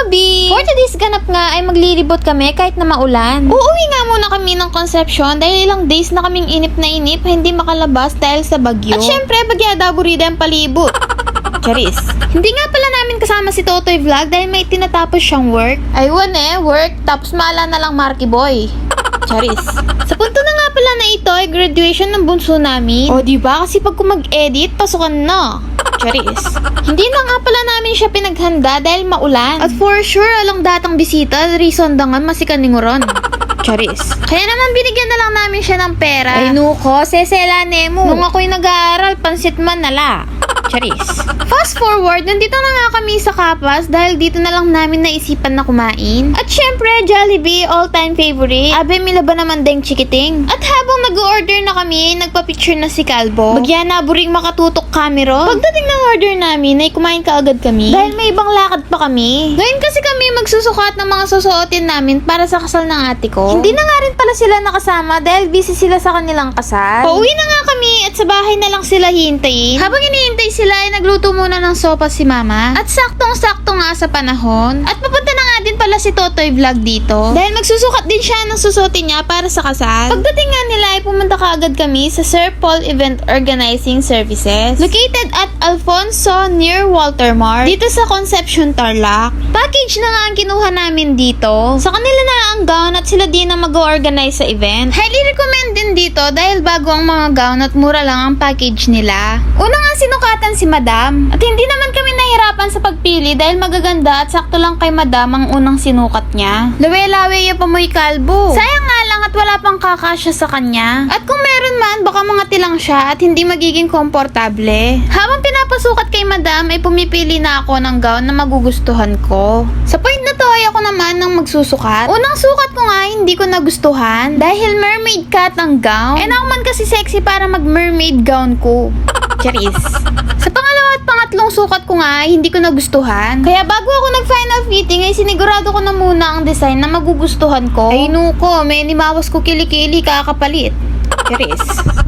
Hello, B! For today's ganap nga ay maglilibot kami kahit na maulan. Uuwi nga muna kami ng Concepcion dahil ilang days na kaming inip na inip hindi makalabas dahil sa bagyo. At syempre, bagyada burida ang palibot. Charis. Hindi nga pala namin kasama si Totoy Vlog dahil may tinatapos siyang work. Aywan work, tapos maala na lang Marky Boy. Charis. Sa punto na nga pala na ito ay graduation ng bunso namin. O diba kasi pag mag-edit, pasukan na. Charis. Hindi na nga pala namin siya pinaghanda dahil maulan. At for sure, alang datang bisita, reason dangan masikaninguron. Charis. Kaya naman binigyan na lang namin siya ng pera. Ay nuko, seselane mo. Nung ako'y nag-aaral, pansit man nala. Charis. Fast forward, nandito na nga kami sa Kapas dahil dito na lang namin naisipan na kumain. At syempre, Jollibee, all-time favorite. Abe, milaba naman deng chikiting. At habang nag-order na kami, nagpa-picture na si Calbo. Bagyan na buring makatutok camera. Pagdating ng order namin, ay kumain ka agad kami. Dahil may ibang lakad pa kami. Ngayon kasi kami magsusukat ng mga susuotin namin para sa kasal ng ate ko. Hindi na nga rin pala sila nakasama dahil busy sila sa kanilang kasal. Pauwi na nga kami at sa bahay na lang sila hintayin. Habang hinihintay sila ay nagluto muna ng sopa si mama. At saktong-sakto nga sa panahon. At papunta na nga din pala si Totoy Vlog dito. Dahil magsusukat din siya ng susuotin niya para sa kasal. Pagdating nga nila ay pumunta kaagad kami sa Sir Paul Event Organizing Services. Located at Alfonso near Walter Mart. Dito sa Concepcion, Tarlac. Package na nga ang kinuha namin dito. Sa kanila na ang gown at sila din na mag-organize sa event. Highly recommend din dito dahil bago ang mga gown at mura lang ang package nila. Una nga sinukatan si Madam. At hindi naman kami nahirapan sa pagpili dahil magaganda at sakto lang kay Madam ang unang sinukat niya. Lawe-lawe yung pamoy kalbo. Sayang nga lang at wala pang kakasya sa kanya. At kung meron man, baka mangati lang siya at hindi magiging komportable. Habang pinapasukat kay Madam ay pumipili na ako ng gown na magugustuhan ko. Sa point na to ay ako naman ang magsusukat. Unang sukat ko nga hindi ko nagustuhan dahil mermaid cut ang gown. And ako man kasi sexy para mag mermaid gown ko. Charis. Sa pangalawa at pangatlong sukat ko nga hindi ko nagustuhan. Kaya bago ako nag-final fitting ay sinigurado ko na muna ang design na magugustuhan ko. Ay nuko, may nimawas ko kilikili kakapalit. Charis.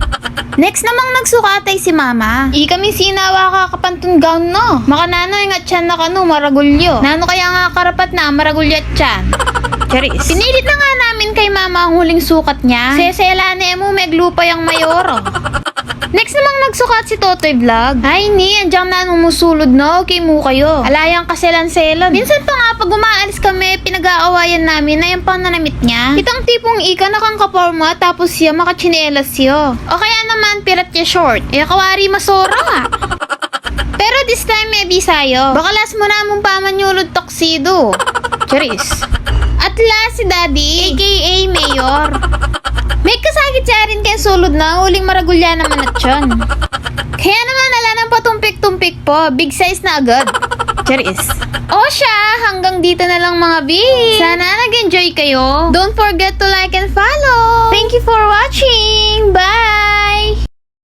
Next namang nagsukat ay si Mama. Kami sinawa kakapantun gown no. Makanano yung atyan na kanu maragulyo. Nano kaya nga karapat na maragulyo atyan. Charis. Pinilit na nga namin kay Mama ang huling sukat niya. Seselane mo meglupa yung mayoro. Next namang nagsukat si Totoy Vlog. Ay ni, andyang na numusulod na, okay mo kayo. Alayang kaselan-selan. Minsan pa nga pag umaalis kami, pinag-aawayan namin na yung pananamit niya. Itang tipong ika nakang kaporma tapos siya makachinelas siya. O kaya naman pirat niya short. Kawari masora nga. Pero this time may bisayo. Baka last mo na mong pamanyulod toksido. Charis. At last si Daddy, aka Mayor. May kasagit siya rin kay sulod na huling maragulya naman at yun. Kaya naman ala ng patumpik-tumpik po, big size na agad. Charis. O siya, hanggang dito na lang mga B. Sana nag-enjoy kayo. Don't forget to like and follow.